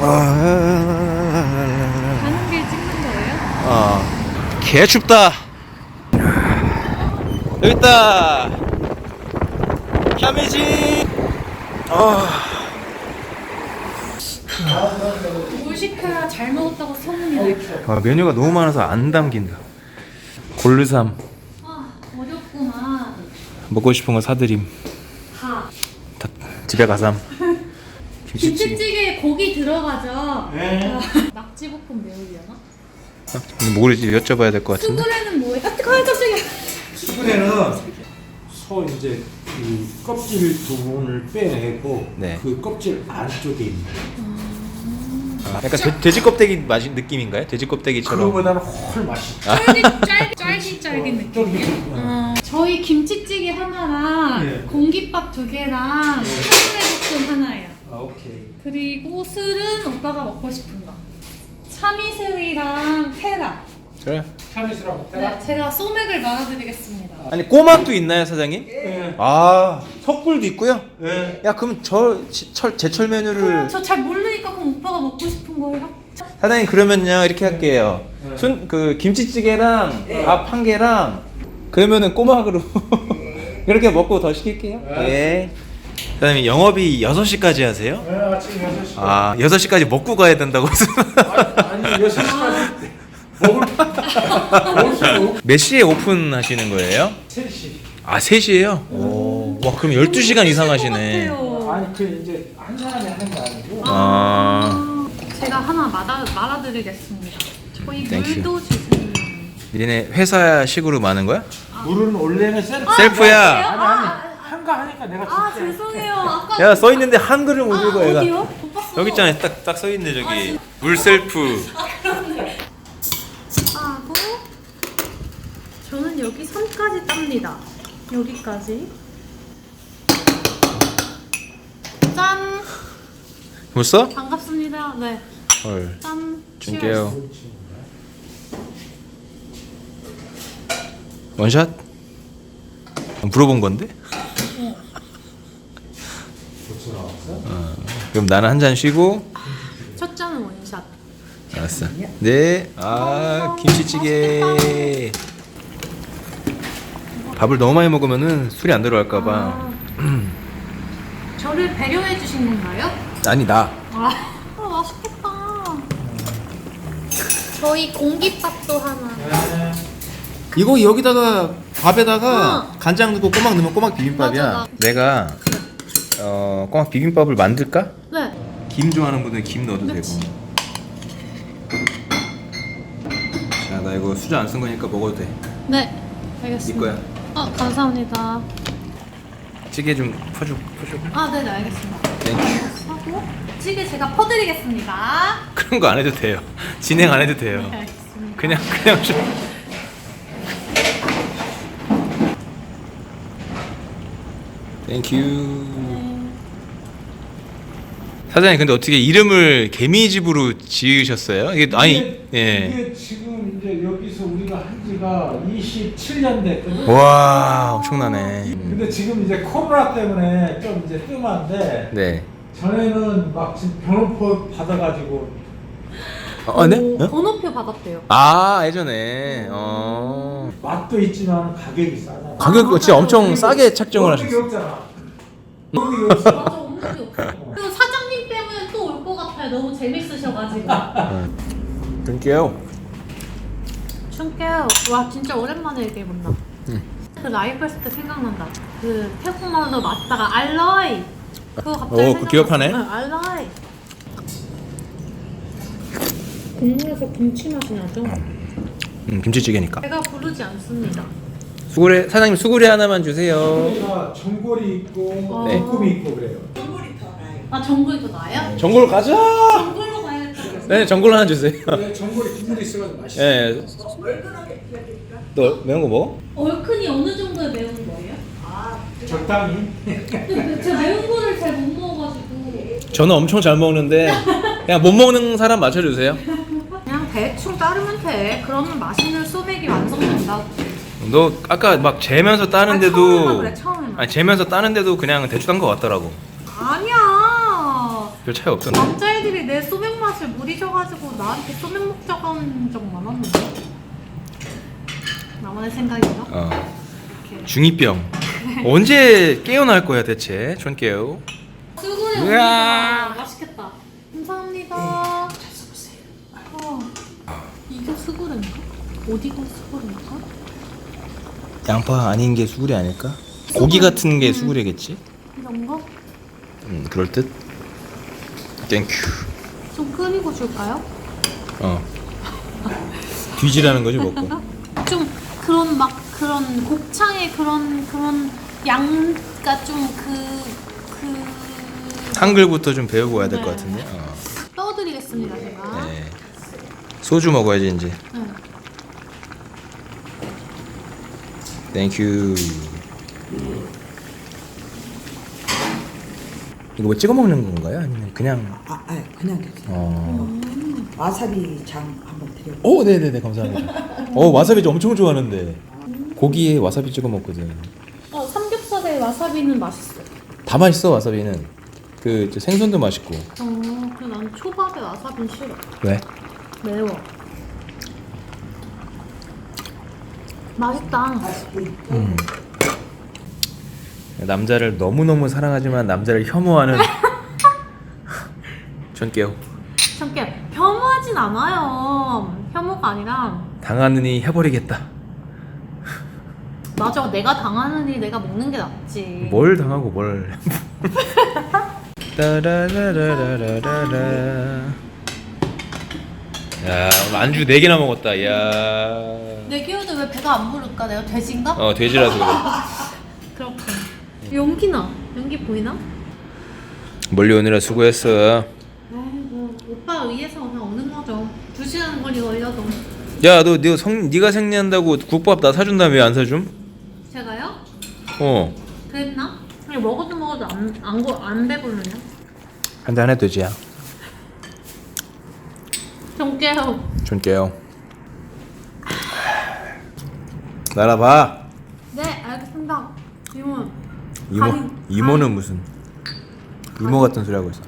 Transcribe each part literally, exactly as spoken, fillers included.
가는 길 찍는 거예요? 어, 개 춥다. 여기 있다. 캬메지. 어. 뭘 시켜야 잘 먹었다고 소문이 날까? 아, 메뉴가 너무 많아서 안 담긴다. 골르삼. 아 어렵구만. 먹고 싶은 거 사드림. 다. 다 집에 가삼. 김치찌개에 고기 들어가죠? 네. 낙지볶음 매우려나? 모르지, 여쭤봐야 될 것 같은데. 수구레는 뭐예요? 아 깜짝이야. 수분에는 소 이제 그 껍질 부분을 빼내고 네. 그 껍질 안쪽에 있는 아, 약간 돼, 돼지 껍데기 맛 느낌인가요? 돼지 껍데기처럼. 그거보다는 훨 맛있죠. 쫄깃 짤 쫄깃 쫄깃 느낌이에요. 어, 저희 김치찌개 하나랑 네. 공깃밥 두 개랑 수구레 볶음 하나예요. 아 오케이. 그리고 술은 오빠가 먹고 싶은 거. 참이슬이랑 테라. 그래. 참이슬하고 네, 제가 소맥을 말아드리겠습니다. 아니 꼬막도 있나요, 사장님? 네. 아, 석굴도 있고요. 네. 야, 그럼 저 지- 철 제철 메뉴를 저 잘 모르니까 그럼 오빠가 먹고 싶은 거예요? 사장님 그러면요 이렇게 할게요. 네. 순 그 김치찌개랑 밥 한 개랑 그러면은 꼬막으로 그렇게 먹고 더 시킬게요. 예. 사장님 영업이 여섯 시까지 하세요? 네, 아침 여섯 시. 아, 여섯 시까지 먹고 가야 된다고 해서. 아니, 아니 여섯 시까지 먹을 먹을 수 없고 몇 시에 오픈하시는 거예요? 세 시. 아, 세 시에요? 오. 와, 그럼 열두 시간 이상 하시네. 아니 그 이제 한 사람이 하는 게 아니고 아. 제가 하나 말아, 말아드리겠습니다. 저희 땡큐. 물도 주세요. 니네 회사식으로 많은 거야? 물은 원래는 셀프. 셀프야. 아니 아니 한가 하니까 내가 아 줄게. 죄송해요. 아까 야, 써 있는데 한글을 못 읽어, 아, 얘가. 어디요? 못 봤어. 여기 있잖아요. 딱 딱 써 있네, 저기. 물 셀프. 하고 저는 여기 선까지 땁니다. 여기까지. 짠. 벌써? 반갑습니다. 네. 헐. 짠. 줄게요. 원샷? 물어본 건데? 어, 그럼 나는 한 잔 쉬고. 첫 잔은 원샷. 알았어. 네. 아, 김치찌개. 밥을 너무 많이 먹으면은 술이 안 들어갈까봐. 아, 저를 배려해 주신 건가요? 아니, 나. 아, 아 맛있겠다. 저희 공깃밥도 하나. 이거 여기다가 밥에다가 어. 간장 넣고 꼬막 넣으면 꼬막 비빔밥이야. 맞아, 나- 내가 어 꼬막 비빔밥을 만들까? 네. 김 좋아하는 분들 김 넣어도 그치. 되고. 자, 나 이거 수저 안 쓴 거니까 먹어도 돼. 네. 네 알겠습니다. 거야. 아 감사합니다. 찌개 좀 퍼줘, 퍼줘. 아 네네 알겠습니다. 땡큐. 하고 찌개 제가 퍼드리겠습니다. 그런 거 안 해도 돼요. 진행 안 해도 돼요. 네, 알겠습니다. 그냥 그냥 좀. 땡큐. 네. 사장님 근데 어떻게 이름을 개미집으로 지으셨어요? 이게 아니 이게, 예. 이게 지금 이제 여기서 우리가 한 지가 이십칠 년 됐거든. 와, 엄청나네. 근데 지금 이제 코로나 때문에 좀 이제 뜸한데 네. 전에는 막 지금 변호표 받아가지고 어, 네? 오, 어? 번호표 받았대요. 아, 예전에. 어. 맛도 있지만 가격이 싸잖아. 가격 진짜 엄청 싸게 책정을 없는 게 하셨어요. 없잖아. 없는 게 없어. 맞아 없는 게 없어. 그리고 사장님 때문에 또 올 것 같아요. 너무 재밌으셔가지고. 드릴게요. 춘게요. 와 진짜 오랜만에 얘기해본다. 응. 그 라이브 했을 때 생각난다. 그 태국말로 맞다가 알로이. 그거 갑자기 오, 생각났어. 그거 기억하네? 응, 알로이. 국물에서 김치 맛이 나죠? 음, 김치찌개니까. 제가 부르지 않습니다. 수구레 사장님 수구레 하나만 주세요. 우리가 전골이 있고 네. 볶음이 있고 그래요. 아 전골이 더 나아요? 전골 가자. 전골로 가야겠다. 네, 전골 하나 주세요. 근데 전골이 국물이 있어가지고 맛있어. 네. 너 매운 거 먹어? 얼큰이 어느 정도의 매운 거예요? 적당히. 근데 제가 매운 거를 잘 못 먹어가지고 저는 엄청 잘 먹는데 그냥 못 먹는 사람 맞춰주세요. 그냥 대충 따르면 돼. 그러면 맛있는 소맥이 완성된다. 너 아까 막 재면서 아, 처음에만 따는데도 그래 처음에만. 아니 재면서 따는데도 그냥 대충 딴 거 같더라고. 아니야. 별 차이 없던데. 남자애들이 내 소맥 맛을 무리셔가지고 나한테 소맥 먹자고 하는 적 많았는데. 나만의 생각인가? 어. 이렇게. 중이병. 언제 깨어날 거야 대체? 전 깨우. 수고해 으아. 옵니다. 맛있겠다. 감사합니다. 잘 써보세요. 어. 이게 수구레인가? 어디가 수구레인가? 양파 아닌 게 수구레 아닐까? 고기 같은 게 수구레겠지? 이런 거? 음 그럴 듯. 땡큐. 좀 끓이고 줄까요? 어. 뒤지라는 거지 먹고. 좀 그런 막 그런 곱창의 그런 그런 양가 좀 그 그 한글부터 좀 배우고 와야 될 것 네. 같은데. 어. 떠드리겠습니다 제가. 네. 소주 먹어야지 이제. 네. 땡큐. 이거 뭐 찍어 먹는 건가요? 아니면 그냥? 아, 아 그냥 드세요. 어. 와사비 장 한번 드려. 오, 네네네 감사합니다. 어 와사비 엄청 좋아하는데 고기에 와사비 찍어 먹거든. 어 삼겹살에 와사비는 맛있어. 다 맛있어 와사비는. 그 이제 생선도 맛있고. 어, 그래 난 초밥에 와사비는 싫어. 왜? 매워. 맛있다. 음. 남자를 너무 너무 사랑하지만 남자를 혐오하는 전깨요. 참깨 혐오하진 않아요. 혐오가 아니라 당하느니 해버리겠다. 맞아 내가 당하는 일 내가 먹는 게 낫지. 뭘 당하고 뭘. 따라라라라라라. 야 오늘 안주 네 개나 먹었다. 야. 내 기호도 왜 배가 안 부를까? 내가 돼지인가? 어 돼지라서 그래. 그렇군. 연기나? 연기 보이나? 멀리 오느라 수고했어. 아이고 오빠 위해서 그냥 오는 거죠. 두 시간 거리 걸려도. 야 너 너 성 네가 생리한다고 국밥 나 사준다며 왜 안 사줌? 제가요? 어. 그랬나? 아니 먹어도 먹어도 안안 안 배부르냐? 한잔 해도 되지야. 좀 깨요. 줄게요. 날아봐. 네 알겠습니다. 이모. 이모 가인, 이모는 가인. 무슨 이모 같은 소리 하고 있어.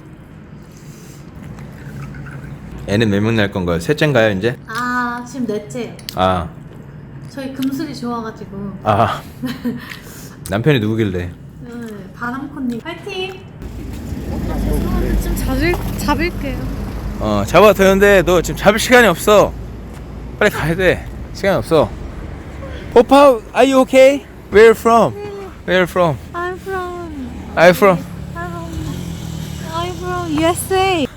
애는 몇 명 날 건가요? 셋째인가요 이제? 아 지금 넷째요. 아, 저희 금술이 좋아가지고. 아 남편이 누구길래? 네, 바람콘님 파이팅. 오빠 죄송한데 좀 잡을 잡을게요. 어 잡아 되는데 너 지금 잡을 시간이 없어. 빨리 가야 돼. 시간 없어. 오빠, are you okay? Where from? Where from? I'm from I'm from. I'm from U S A.